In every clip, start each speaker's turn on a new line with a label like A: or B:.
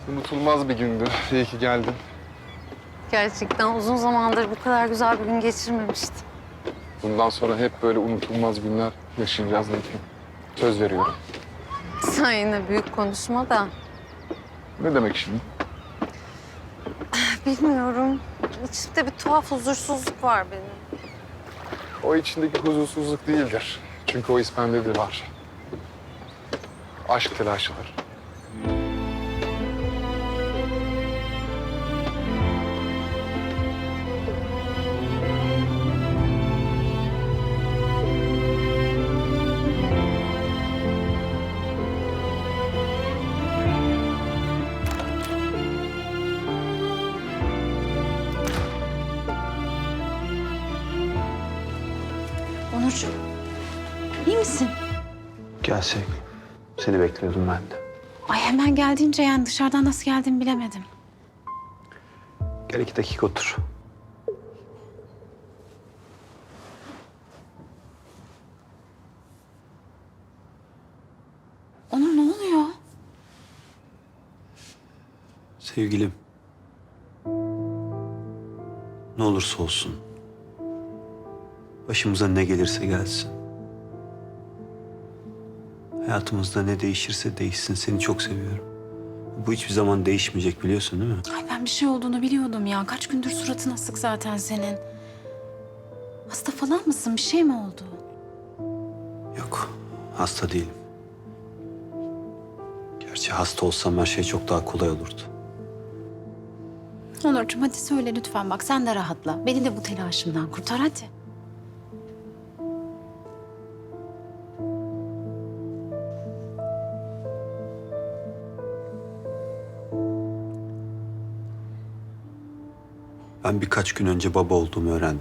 A: Unutulmaz bir gündü. İyi ki geldin.
B: Gerçekten uzun zamandır bu kadar güzel bir gün geçirmemiştim.
A: Bundan sonra hep böyle unutulmaz günler yaşayacağız Nilgün. Söz veriyorum.
B: Sen yine büyük konuşma da.
A: Ne demek şimdi?
B: Bilmiyorum. İçimde bir tuhaf huzursuzluk var benim.
A: O içindeki huzursuzluk değildir. Çünkü o bende de var. Aşk telaşıdır.
B: Onurcuğum, iyi misin?
C: Gel sevgilim. Seni bekliyordum ben de.
D: Ay hemen geldiğince yani dışarıdan nasıl geldiğimi bilemedim.
C: Gel 2 dakika otur.
D: Onur ne oluyor?
C: Sevgilim. Ne olursa olsun. Başımıza ne gelirse gelsin. Hayatımızda ne değişirse değişsin. Seni çok seviyorum. Bu hiçbir zaman değişmeyecek biliyorsun değil mi?
D: Ay ben bir şey olduğunu biliyordum ya. Kaç gündür suratın asık zaten senin. Hasta falan mısın? Bir şey mi oldu?
C: Yok. Hasta değilim. Gerçi hasta olsam her şey çok daha kolay olurdu.
D: Onurcuğum hadi söyle lütfen bak sen de rahatla. Beni de bu telaşımdan kurtar hadi.
C: Ben birkaç gün önce baba olduğumu öğrendim.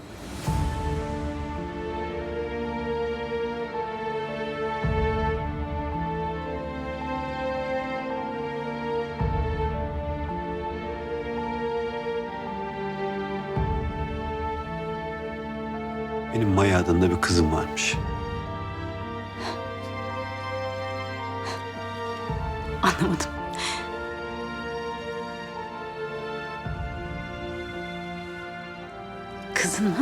C: Benim Maya adında bir kızım varmış.
D: Anlamadım. Kızın mı?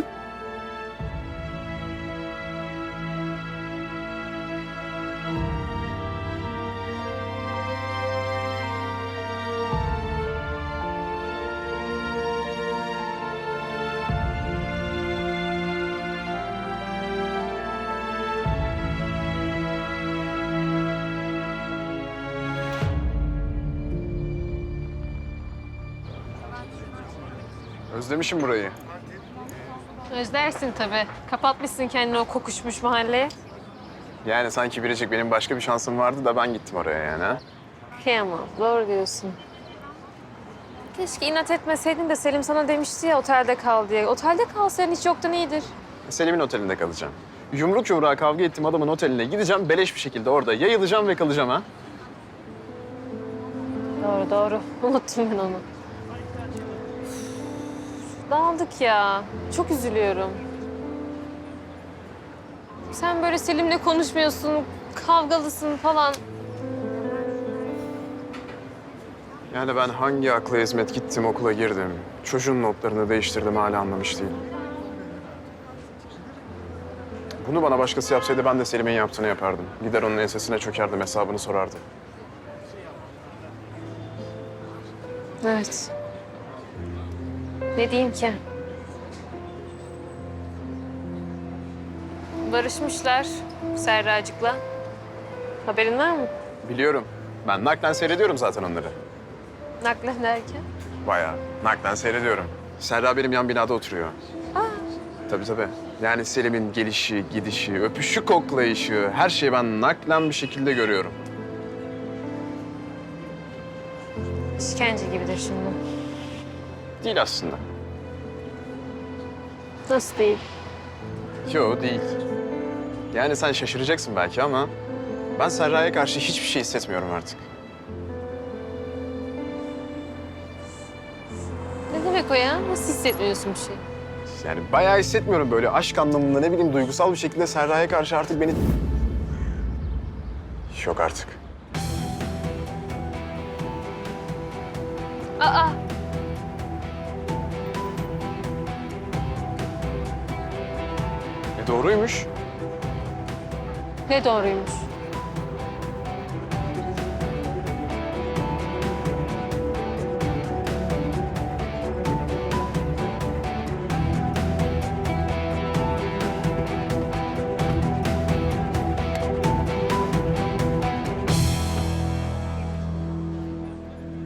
A: Özlemişim burayı.
E: Özlersin tabii. Kapatmışsın kendini o kokuşmuş mahalleye.
F: Yani sanki Biricik benim başka bir şansım vardı da ben gittim oraya yani ha.
E: Kıyamam. Doğru diyorsun. Keşke inat etmeseydin de Selim sana demişti ya otelde kal diye. Otelde kalsaydın hiç yoktan iyidir.
F: Selim'in otelinde kalacağım. Yumruk yumruğa kavga ettiğim adamın oteline gideceğim. Beleş bir şekilde orada yayılacağım ve kalacağım ha.
E: Doğru doğru. Unuttum ben onu. Dağıldık ya. Çok üzülüyorum. Sen böyle Selim'le konuşmuyorsun, kavgalısın falan.
F: Yani ben hangi akla hizmet gittim okula girdim. Çocuğun notlarını değiştirdim hala anlamış değilim. Bunu bana başkası yapsaydı ben de Selim'in yaptığını yapardım. Gider onun ensesine çökerdim, hesabını sorardım.
E: Evet. Ne diyeyim ki? Barışmışlar Serracık'la. Haberin var mı?
F: Biliyorum. Ben naklen seyrediyorum zaten onları.
E: Naklen derken?
F: Bayağı. Naklen seyrediyorum. Serra benim yan binada oturuyor. Tabii tabii. Yani Selim'in gelişi, gidişi, öpüşü, koklayışı, her şeyi ben naklen bir şekilde görüyorum.
E: İşkence gibidir şimdi.
F: Değil aslında.
E: Nasıl değil?
F: Yo değil. Yani sen şaşıracaksın belki ama ben Serra'ya karşı hiçbir şey hissetmiyorum artık.
E: Ne demek o ya? Nasıl hissetmiyorsun bir şey?
F: Yani bayağı hissetmiyorum böyle aşk anlamında ne bileyim duygusal bir şekilde Serra'ya karşı artık beni... Yok artık.
E: Aa.
F: Doğruymuş.
E: Ne doğruymuş?